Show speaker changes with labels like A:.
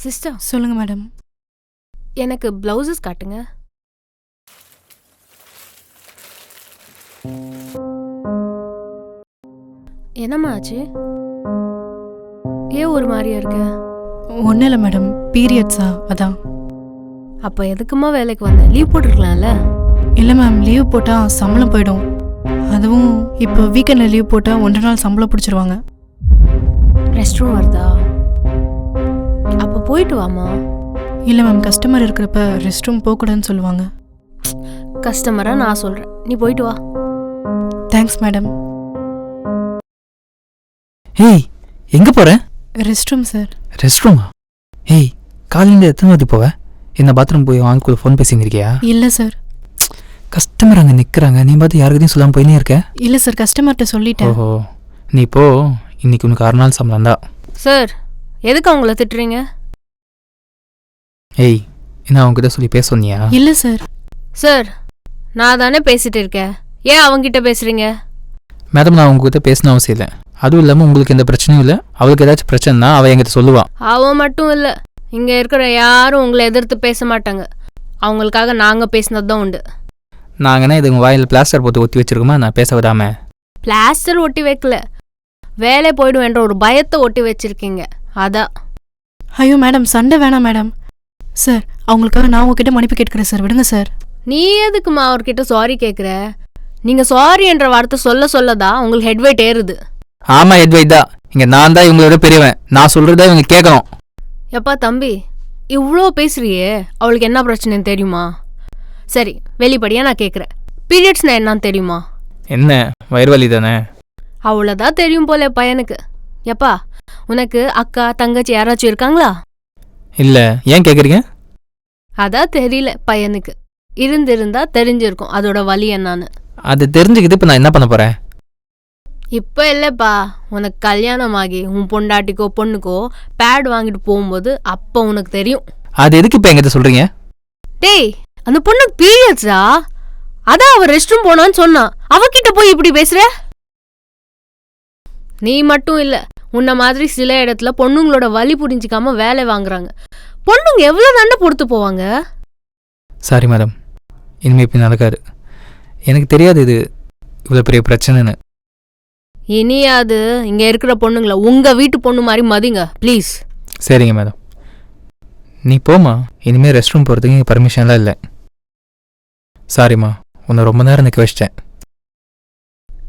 A: Sister
B: சொல்லுங்க madam.
A: எனக்கு blouses காட்டுங்க. என்னம்மா ஆச்சு? ஏன் ஒரு மாதிரியா இருக்க?
B: ஒன்றும் இல்லை மேடம், பீரியட்ஸா அதான்.
A: அப்போ எதுக்குமா வேலைக்கு வந்த? லீவ் போட்டிருக்கலாம்ல.
B: இல்லை மேம், லீவ் போட்டால் சம்பளம் போயிடும். அதுவும் இப்போ வீக்கெண்டில் லீவ் போட்டால் 1 நாள் சம்பளம் பிடிச்சிருவாங்க.
A: ரெஸ்ட் ரூம் வருதா? அப்போ போயிட்டு வாமா.
B: இல்லை மேம், கஸ்டமர் இருக்கிறப்ப ரெஸ்ட் ரூம் போகக்கூடாதுன்னு சொல்லுவாங்க.
A: கஸ்டமராக நான் சொல்கிறேன், நீ போயிட்டு வா.
B: Thanks madam.
C: ஏய், எங்கே போகிற?
B: Rest room sir.
C: ரெஸ்ட் ரூமா? ஏய், காலையில் எத்தனை வாட்டி போவ? என்ன பாத்ரூம் போய் வாங்க கூட ஃபோன் பேசின்னு இருக்கியா?
B: இல்லை சார்.
C: கஸ்டமர் அங்கே நிற்கிறாங்க, நீ பார்த்து யாருக்கிட்டையும் சொல்லாமல் போயினே இருக்க?
B: இல்லை சார், கஸ்டமர்கிட்ட சொல்லிட்டேன்.
C: ஓஹோ, நீ போ. இன்னைக்கு உனக்கு 6 நாள் சம்பளம் தான்.
A: சார், எதுக்கு அவங்கள திட்டுறீங்க?
C: ஏய், என்ன அவங்ககிட்ட சொல்லி பேச சொன்னியா?
B: இல்லை சார்.
A: சார், நான் தானே பேசிட்டு இருக்கேன், ஏன் அவங்கிட்ட பேசுறீங்க?
C: மேடம், நான் உங்ககிட்ட பேசணும் அவசியம் இல்லை. அதுவும் இல்லாமல் உங்களுக்கு எந்த பிரச்சனையும் இல்லை. அவளுக்கு ஏதாச்சும் பிரச்சனைனா அவள் என்கிட்ட சொல்லுவாள்.
A: அவன் மட்டும் இல்லை, இங்கே இருக்கிற யாரும் உங்களை எதிர்த்து பேச மாட்டாங்க. அவங்களுக்காக நாங்கள் பேசினது தான் உண்டு.
C: நாங்கன்னா இது உங்கள் வாயில் பிளாஸ்டர் போட்டு ஒட்டி வச்சிருக்கோமா நான் பேச விடாம?
A: பிளாஸ்டர் ஒட்டி வைக்கல, வேலை போய்டும் என்ற ஒரு பயத்தை ஒட்டி வச்சிருக்கீங்க, அதான்.
B: ஐயோ மேடம், சண்டை வேணாம் மேடம். சார், அவங்களுக்காக நான் உங்ககிட்ட மன்னிப்பு கேட்குறேன் சார், விடுங்க சார்.
A: நீ எதுக்குமா அவர்கிட்ட சாரி கேட்குற? நீங்கள் சாரி என்ற வார்த்தை சொல்ல சொல்லதான் உங்களுக்கு ஹெட்வெயிட் ஏறுது.
C: ஆமாம், ஹெட்வெயிட் தான். இங்கே நான் தான் இவங்களோட பெரியவன், நான் சொல்கிறத இவங்க கேட்கணும்.
A: எப்பா தம்பி, இவ்வளோ பேசுறியே, அவளுக்கு என்ன பிரச்சனைன்னு தெரியுமா? சரி, வெளிப்படையாக நான் கேட்குறேன், பீரியட்ஸ்னா என்னன்னு தெரியுமா?
C: என்ன, வயிறு வலி தானே?
A: அவ்வளோதான் தெரியும் போல பையனுக்கு. எப்பா, உனக்கு அக்கா தங்கச்சி யாராச்சும் இருக்காங்களா?
C: இல்லை, ஏன் கேட்குறீங்க?
A: அதான் தெரியல பையனுக்கு. இருந்திருந்தா தெரிஞ்சிருக்கும் அதோட வலி என்னன்னு.
C: அது தெரிஞ்சுக்கிட்டு இப்போ நான் என்ன பண்ண போகிறேன்?
A: இப்போ இல்லைப்பா, உனக்கு கல்யாணம் ஆகி உன் பொண்டாட்டிக்கோ பொண்ணுக்கோ பேட் வாங்கிட்டு போகும்போது அப்போ உனக்கு தெரியும்.
C: அது எதுக்கு இப்போ எங்கிட்ட சொல்கிறீங்க?
A: டேய், அந்த பொண்ணுக்கு பீரியட்ஸா? அதான் அவ ரெஸ்ட் ரூம் போனான்னு சொன்னான், அவகிட்ட போய் இப்படி பேசுற? நீ மட்டும் இல்ல, உன்ன மாதிரி சில இடத்துல பொண்ணுங்களோட வலி புரிஞ்சிக்காம வேலை வாங்குறாங்க. பொண்ணுங்க எவ்வளவு தண்டை பொறுத்து போவாங்க.
C: சாரி மேடம், இனிமே இப்படி நடக்காது. எனக்கு தெரியாது இது இவ்வளோ பெரிய பிரச்சனைன்னு.
A: இனியாது இங்க இருக்கிற பொண்ணுங்கள உங்க வீட்டு பொண்ணு மாதிரி மதிங்க ப்ளீஸ்.
C: சரிங்க மேடம், நீ போமா. இனிமேல் ரெஸ்ட் ரூம் போகிறதுக்கு பர்மிஷன்லாம் இல்லை. சாரிம்மா, உன்னை ரொம்ப நேரம் நிற்க வச்சிட்டேன்.